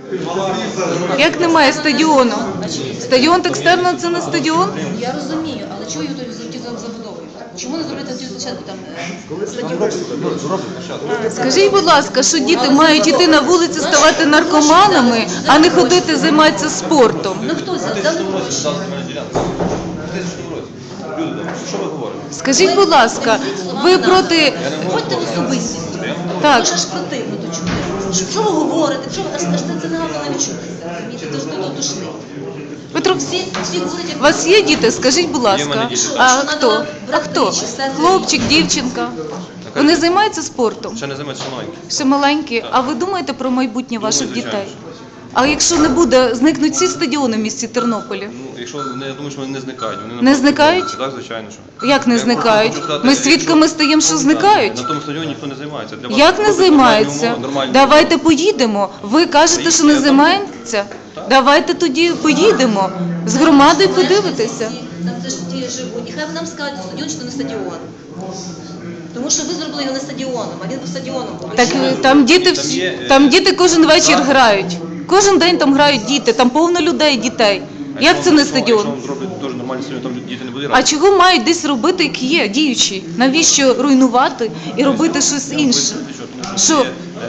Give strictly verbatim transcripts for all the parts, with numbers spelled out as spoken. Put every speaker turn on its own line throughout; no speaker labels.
Як немає стадіону? Стадіон Екстерна – це не стадіон?
Я розумію, але чого його тоді забудовують? Чому не зробити тоді спочатку там стадіон?
Скажіть, будь ласка, що діти мають йти на вулицю, ставати наркоманами, а не ходити займатися спортом?
Ну хто це? Дали гроші.
Що ви говорите?
Скажіть, будь ласка, ви проти...
Ходьте в особистість.
Так.
Дуже ж противно то чути. Що ви говорите? Що ви аж аж це не гарно навіть чутися? Розумієте, то ж до дошли.
Петро,
Всі, всі ходять, як...
у вас є діти? Скажіть, будь ласка. А хто? А хто? Хлопчик, дівчинка? Вони займаються спортом?
Ще не займаються, ще маленькі.
Ще маленькі. А ви думаєте про майбутнє ваших
Думаю, звичайно,
дітей? А якщо не буде, зникнуть всі стадіони в місті Тернополі?
Ну, якщо вони, я думаю, що вони не зникають. Вони
Не
навпаки
зникають?
будуть. Так, звичайно, що.
Як не
Я
зникають?
хочу сказати,
Ми
якщо-
свідками стаємо, що зникають.
На тому стадіоні ніхто не займається. Для вас
Як не
робить
займаються?
нормальні умови, нормальні
Давайте поїдемо. Ви кажете, що не займається? Давайте тоді поїдемо з громадою подивитися.
Там теж ті живуть. І хай нам скажуть, стадіон чи то не стадіон. Тому що ви зробили його не стадіоном, а він був стадіоном.
Так
Чому?
там діти всі, там діти кожен вечір грають. Кожен день там грають діти, там повно людей, дітей. Як це не
Якщо-
стадіон?
Якщо вам зроблять дуже нормальний стадіон, там діти не будуть
А
грати.
чого мають десь робити, як є, діючі? Навіщо руйнувати і робити щось інше? Що?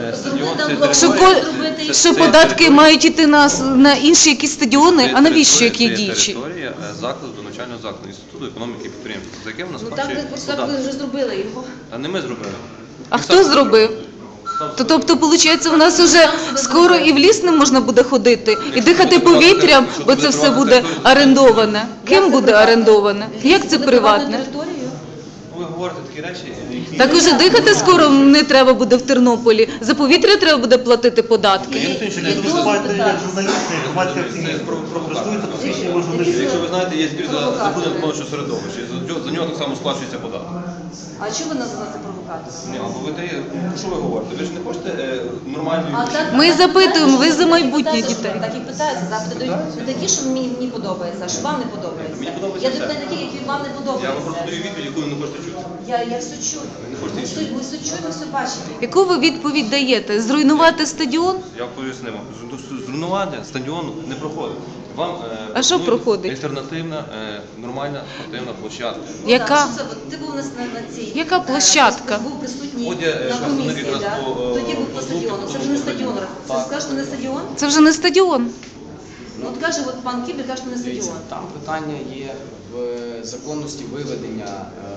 Що, по- що податки мають йти на, с- на інші якісь стадіони? А навіщо, як є діючі?
Це територія е, закладу, навчального закладу, Інституту економіки і підприємства, за яким у нас
Ну так ви
сплачує
просто так ви
податки.
вже зробили його.
А не ми зробили.
А хто зробив? То, тобто, виходить, у нас вже скоро і в ліс не можна буде ходити, і дихати повітрям, бо це все буде орендоване. Ким буде орендоване? Як це приватне?
Територію?
Ви говорите такі речі, які...
Так уже дихати скоро не треба буде в Тернополі. За повітря треба буде платити податки.
Є дозвіл
Виступаєте як
питання.
журналісти, як громадські активісти, користуються посвідченнями журналістів.
Якщо ви знаєте, є збір за забруднення навколишнього середовища, і за, за нього так само сплачується податок.
А чого ви називаєте провокацію?
Ні, або ви дає, про що ви говорите? Ви ж не хочете е, нормальної...
А так-
Ми
так
запитуємо,
питаються,
ви за
так
майбутнє
питаються,
дітей.
Так і питаються, запити дають не такі, що мені, мені подобається, а що вам не подобається.
Мені подобається
Я
все.
даю такі, які вам не
Я вам просто
подобаються.
даю відповідь, яку ви не хочете чути.
Я, я все чую.
не хочете
Ми
її
все, ми все чуємо, все бачимо.
Яку ви відповідь даєте? Зруйнувати стадіон?
Я пояснив вам, Зру- зруйнування стадіону не проходить. Вам е,
А що
пропонують
проходить?
Альтернативна, е, нормальна спортивна площадка.
Ну,
Яка?
так, що це? От Ти був на, на, на цій.
Яка
е,
площадка?
Був присутній
От я, е,
на
представник
комісії,
якраз
да?
по, е,
Тоді був по
по
стадіону.
звуку,
Це
по
вже не
звуку
стадіон.
стадіону.
Це
Так.
скажеш, що не стадіон?
Це вже не стадіон.
Ну от каже, от пан Кібер каже, що не
Дивіться,
стадіон.
там питання є в законності виведення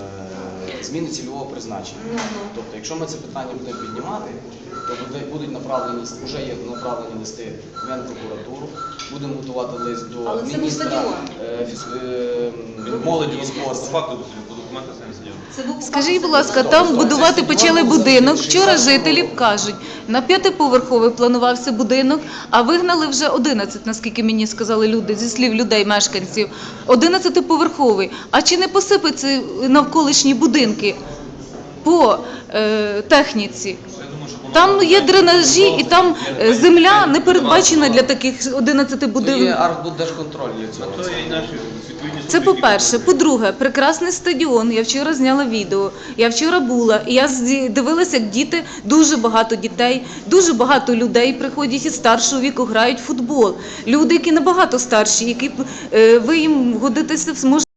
е, зміни цільового призначення.
Ну, ну.
Тобто, якщо ми це питання будемо піднімати, то буде- будуть направлені, вже є направлені листи в Генпрокуратуру, будемо готувати лист до
Але це не
міністра
стадіон.
е, фіз- е, молоді і
По
спорту.
факту, по документах це не стадіон.
Це був
Скажіть, будь
факт
ласка,
стадіон.
там будувати почали будинок. Вчора жителі кажуть, на п'ятиповерховий планувався будинок, а вигнали вже одинадцять, наскільки мені сказали люди, зі слів людей, мешканців. одинадцятиповерховий. А чи не посипаться навколишні будинки по е, техніці? Там є дренажі і там е, земля не передбачена для таких одинадцяти
То є
будинків.
Архбуддержконтроль є цього.
Це є і наші відповідні
Це по-перше. По-друге, прекрасний стадіон. Я вчора зняла відео. Я вчора була, і я зді- дивилася, як діти, дуже багато дітей, дуже багато людей приходять із старшого віку, грають в футбол. Люди, які набагато старші, які е, ви їм годитися зможете.